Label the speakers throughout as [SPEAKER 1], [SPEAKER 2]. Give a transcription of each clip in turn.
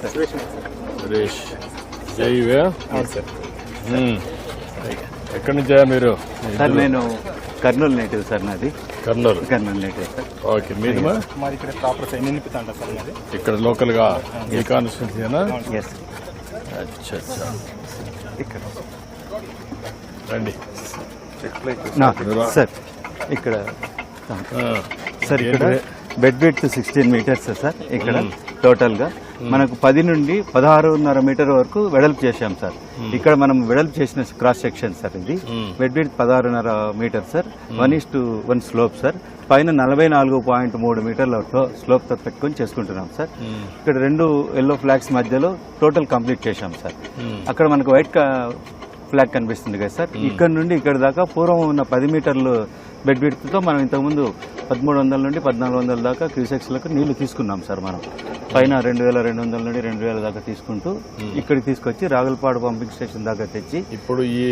[SPEAKER 1] Suresh జైవే
[SPEAKER 2] sir.
[SPEAKER 1] ఎక్కడి నుంచా మీరు?
[SPEAKER 3] సార్ నేను కర్నూలు నేటివ్ సార్, నాది
[SPEAKER 1] కర్నూలు
[SPEAKER 3] నేటివ్ సార్.
[SPEAKER 1] ఓకే, మీది
[SPEAKER 2] మాది ఇక్కడ ప్రాపర్ సైడ్ నింపితాంట సార్ మాది.
[SPEAKER 1] ఇక్కడ లోకల్ గా ఈ కాన్స్టిట్యూన్సీనా?
[SPEAKER 3] ఎస్
[SPEAKER 1] అచ్చా
[SPEAKER 3] ఇక్కడ
[SPEAKER 1] రండి
[SPEAKER 3] సార్. ఇక్కడ సార్ ఇక్కడ బెడ్ విడ్త్ 16 మీటర్స్ సార్. ఇక్కడ టోటల్ గా మనకు 10 నుండి 16.5 మీటర్ వరకు వెడల్పు చేశాం సార్. ఇక్కడ మనం వెడల్పు చేసిన క్రాస్ సెక్షన్ సార్. ఇది bed width 16.5 metre sir. 1:1 slope sir. పైన 44.3 మీటర్ల స్లోప్ తో పెట్టుకొని చేసుకుంటున్నాం సార్. ఇక్కడ 2 ఎల్లో ఫ్లాగ్స్ మధ్యలో టోటల్ కంప్లీట్ చేశాం సార్. అక్కడ మనకు వైట్ ఫ్లాగ్ కనిపిస్తుంది కదా సార్. ఇక్కడ నుండి ఇక్కడ దాకా పూర్వం ఉన్న 10 మీటర్లు బెడ్ విడ్త్ తో మనం ఇంతకుముందు 1300 నుండి 1400 దాకా క్యూసెక్స్లకు నీళ్లు తీసుకున్నాం సార్. మనం పైన 2200 నుండి 2000 దాకా తీసుకుంటూ ఇక్కడికి తీసుకొచ్చి రాగులపాడు పంపింగ్ స్టేషన్ దాకా తెచ్చి
[SPEAKER 1] ఇప్పుడు ఈ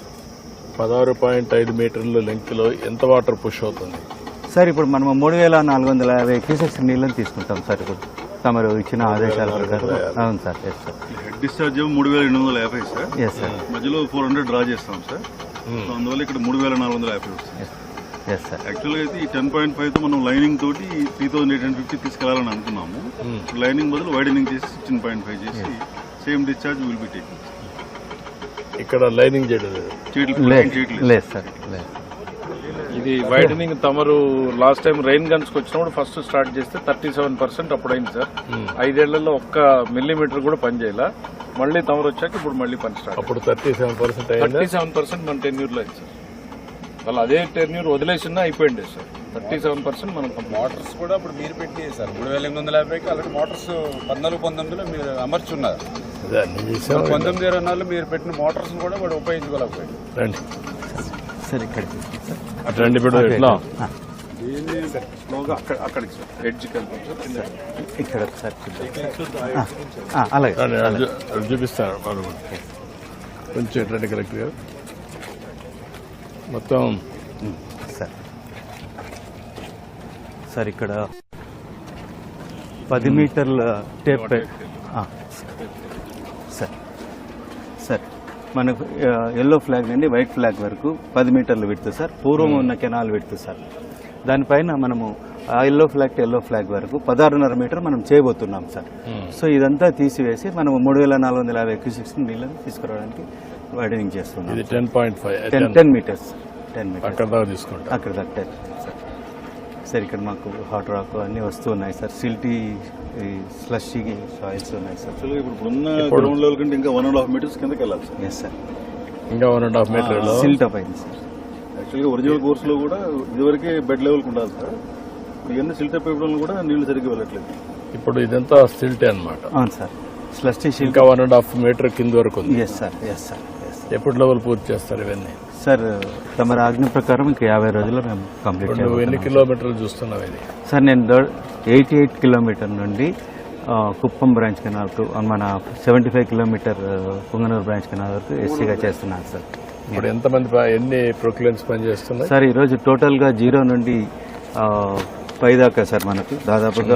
[SPEAKER 1] 16.5 మీటర్ల లెంగ్త్ లో ఎంత వాటర్ పుష్ అవుతుంది
[SPEAKER 3] సార్? ఇప్పుడు మనం 3450 క్యూసెక్స్ నీళ్ళని తీసుకుంటాం సార్. ఇప్పుడు తమరు ఇచ్చిన ఆదేశాల ప్రకారం. అవును sir. Yes sir.
[SPEAKER 4] Head discharge 3850 sir.
[SPEAKER 3] Yes sir.
[SPEAKER 4] మధ్యలో 400 డ్రా చేస్తాం సార్. సో అందువల్ల ఇక్కడ 3450 వస్తుంది.
[SPEAKER 3] Yes sir.
[SPEAKER 4] యాక్చువల్గా అయితే ఈ 10.5 తో మనం లైనింగ్ తోటి 3850 తీసుకెళ్లాలని అనుకున్నాము. లైనింగ్ బదులు వైడనింగ్ చేసి 16.5 చేసి same discharge will be taking.
[SPEAKER 1] ఇక్కడ లైనింగ్ చేయడం
[SPEAKER 3] లేదు సార్. లేదు.
[SPEAKER 1] ఇది వైడనింగ్ తమరు లాస్ట్ టైం రెయిన్ గన్స్ కి వచ్చినప్పుడు ఫస్ట్ స్టార్ట్ చేస్తే 37% అప్పుడు అయింది సార్. 5 ఏళ్లలో 1 మిల్లీమీటర్ కూడా పని చేయాల. మళ్ళీ తమరు వచ్చాక ఇప్పుడు మళ్ళీ పని స్టార్ట్. అప్పుడు 37% మన టెన్యూర్ లో అయింది సార్. వాళ్ళు అదే టెన్యూర్ వదిలేసినా అయిపోయింది సార్. 37% మనం
[SPEAKER 5] మోటార్స్ కూడా ఇప్పుడు మీరు పెట్టి సార్ 3850కి అలాంటి మోటార్స్ 14-19లో మీరు అమర్చున్నారు. 1920 మీరు పెట్టిన మోటార్స్ కూడా వాడు ఉపయోగించుకోలేకపోయింది.
[SPEAKER 1] రండి
[SPEAKER 3] సార్ ఇక్కడ
[SPEAKER 1] రండి. ఇప్పుడు ఎట్లా
[SPEAKER 5] అక్కడికి సార్ ఎడ్జ్
[SPEAKER 3] ఇక్కడ సార్ అలాగే
[SPEAKER 1] చూపిస్తాను. కొంచెం రండి కరెక్ట్ గారు. మొత్తం
[SPEAKER 3] సార్. సార్ ఇక్కడ 10 మీటర్ల టేప్ సార్. సార్ మనకు ఎల్లో ఫ్లాగ్ నుండి వైట్ ఫ్లాగ్ వరకు 10 మీటర్లు విడుతు సార్. పూర్వం ఉన్న కెనాల్ విడుతు సార్. దానిపైన మనము ఆ yellow flag to yellow flag వరకు 16.5 మీటర్ మనం చేయబోతున్నాం సార్. సో ఇదంతా తీసివేసి మనం 3450 క్యూసెక్స్ నీళ్ళని తీసుకురావడానికి వైడనింగ్ చేస్తున్నాం. 10 మీటర్స్. 10 మీటర్స్
[SPEAKER 1] అక్కడ దాకా తీసుకుంటాం.
[SPEAKER 3] అక్కడ దాకా సార్. సార్ ఇక్కడ మాకు హాట్ రాక్ అన్ని వస్తూ ఉన్నాయి సార్. సిల్టీ స్లషీ సాయిల్స్ ఉన్నాయి సార్.
[SPEAKER 4] ఇప్పుడున్న గ్రౌండ్ లెవెల్ కంటే ఇంకా 1.5 మీటర్స్ కిందకి వెళ్ళాలి సార్.
[SPEAKER 3] Yes sir.
[SPEAKER 1] ఇంకా 1.5 మీటర్
[SPEAKER 3] సిల్ట్ అప్ అయింది సార్.
[SPEAKER 4] యాక్చువల్గా ఒరిజినల్ కోర్స్ లో కూడా ఇదివరకే బెడ్ లెవెల్ ఉండాలి సార్. ఇవన్నీ సిల్ట్ అప్ అయిపోవడం కూడా నీళ్లు సరిగ్గా వెళ్ళట్లేదు.
[SPEAKER 1] ఇప్పుడు ఇదంతా సిల్టే అన్నమాట.
[SPEAKER 3] అవును సార్. స్లషీ సిల్ట్
[SPEAKER 1] ఇంకా 1.5 మీటర్ కింద వరకు ఉంది.
[SPEAKER 3] Yes sir. Yes sir.
[SPEAKER 1] ఎప్పుడు లెవెల్ పూర్తి చేస్తారు ఇవన్నీ?
[SPEAKER 3] సార్ తమ ఆజ్ఞ ప్రకారం ఇంకా 50 రోజుల్లో మేము కంప్లీట్ చేయాలి.
[SPEAKER 1] నువ్వు ఎన్ని కిలోమీటర్లు చూస్తున్నావు ఇది?
[SPEAKER 3] సార్ నేను 88 కిలోమీటర్ నుండి కుప్పం బ్రాంచ్ కెనాల్ కు మన 75 కిలోమీటర్ పుంగనూరు బ్రాంచ్ కెనాల్ వరకు ఎస్సీగా చేస్తున్నాను సార్.
[SPEAKER 1] ఇప్పుడు ఎంతమంది ఎన్ని ప్రొక్లైన్స్ పనిచేస్తున్నాయి
[SPEAKER 3] సార్? ఈరోజు టోటల్గా 0 నుండి 5 దాకా సార్ మనకు దాదాపుగా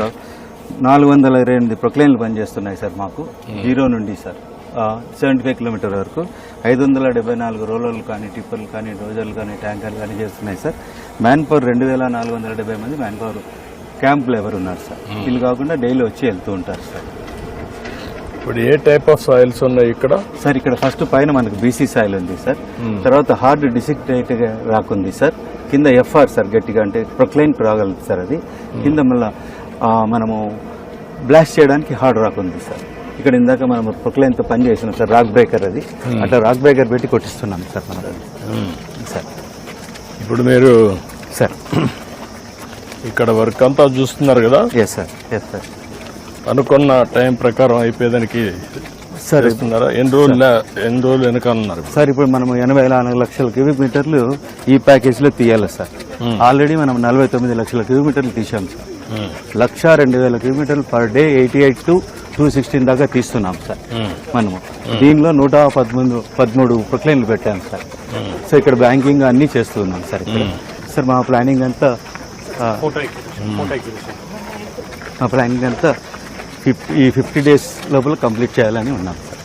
[SPEAKER 3] 428 ప్రొక్లైన్లు పనిచేస్తున్నాయి సార్ మాకు. 0 నుండి సార్ 75 కిలోమీటర్ వరకు 574 రోలర్లు కానీ టిప్పర్లు కానీ డోజర్లు కానీ ట్యాంకర్లు కానీ చేస్తున్నాయి సార్. మ్యాన్ పవర్ 2470 మంది మ్యాన్ పవర్ క్యాంప్ లేబర్ ఉన్నారు సార్. వీళ్ళు కాకుండా డైలీ వచ్చి వెళ్తూ ఉంటారు సార్.
[SPEAKER 1] ఇప్పుడు ఏ టైప్ ఆఫ్ సాయిల్స్ ఉన్నాయి ఇక్కడ?
[SPEAKER 3] సార్ ఇక్కడ ఫస్ట్ పైన మనకు బీసీ సాయిల్ ఉంది సార్. తర్వాత హార్డ్ డిసిక్టేట్ రాకుంది సార్. కింద ఎఫ్ఆర్ సార్ గట్టిగా అంటే ప్రొక్లైన్ రాగలదు సార్. అది కింద మళ్ళా మనము బ్లాస్ట్ చేయడానికి హార్డ్ రాక్ ఉంది సార్. ఇక్కడ ఇందాక మనం ప్రొక్లైన్ తో పని చేసినాం సార్. రాక్ బ్రేకర్ అది అట్లా రాక్ బ్రేకర్ పెట్టి కొట్టిస్తున్నాం సార్ మనం సార్.
[SPEAKER 1] ఇప్పుడు మీరు
[SPEAKER 3] సార్
[SPEAKER 1] ఇక్కడ వర్క్ అంతా చూస్తున్నారు కదా?
[SPEAKER 3] Yes sir. Yes sir.
[SPEAKER 1] అనుకున్న టైం ప్రకారం అయిపోయేదానికి
[SPEAKER 3] సార్
[SPEAKER 1] ఇస్తున్నారా? ఎన్ని రోజులు వెనకాలన్నారు
[SPEAKER 3] సార్? ఇప్పుడు మనం 84 లక్షల క్యూబిక్ మీటర్లు ఈ ప్యాకేజ్ లో తీయాలి సార్. ఆల్రెడీ మనం 49 లక్షల క్యూబిక్ మీటర్లు తీసాం సార్. 1,02,000 కిలోమీటర్లు పర్ డే 88 to 216 దాకా తీస్తున్నాం సార్ మనము. దీనిలో 113 ప్రొక్లైన్లు పెట్టాం సార్. సో ఇక్కడ బ్యాంకింగ్ అన్ని చేస్తున్నాం సార్. ఇక్కడ సార్ మా ప్లానింగ్ అంతా ఈ 50 డేస్ లోపల కంప్లీట్ చేయాలని ఉన్నాం సార్.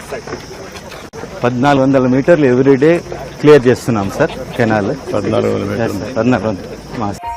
[SPEAKER 3] 1400 మీటర్లు ఎవ్రీడే క్లియర్ చేస్తున్నాం సార్ కెనాల్. 1400 మాస్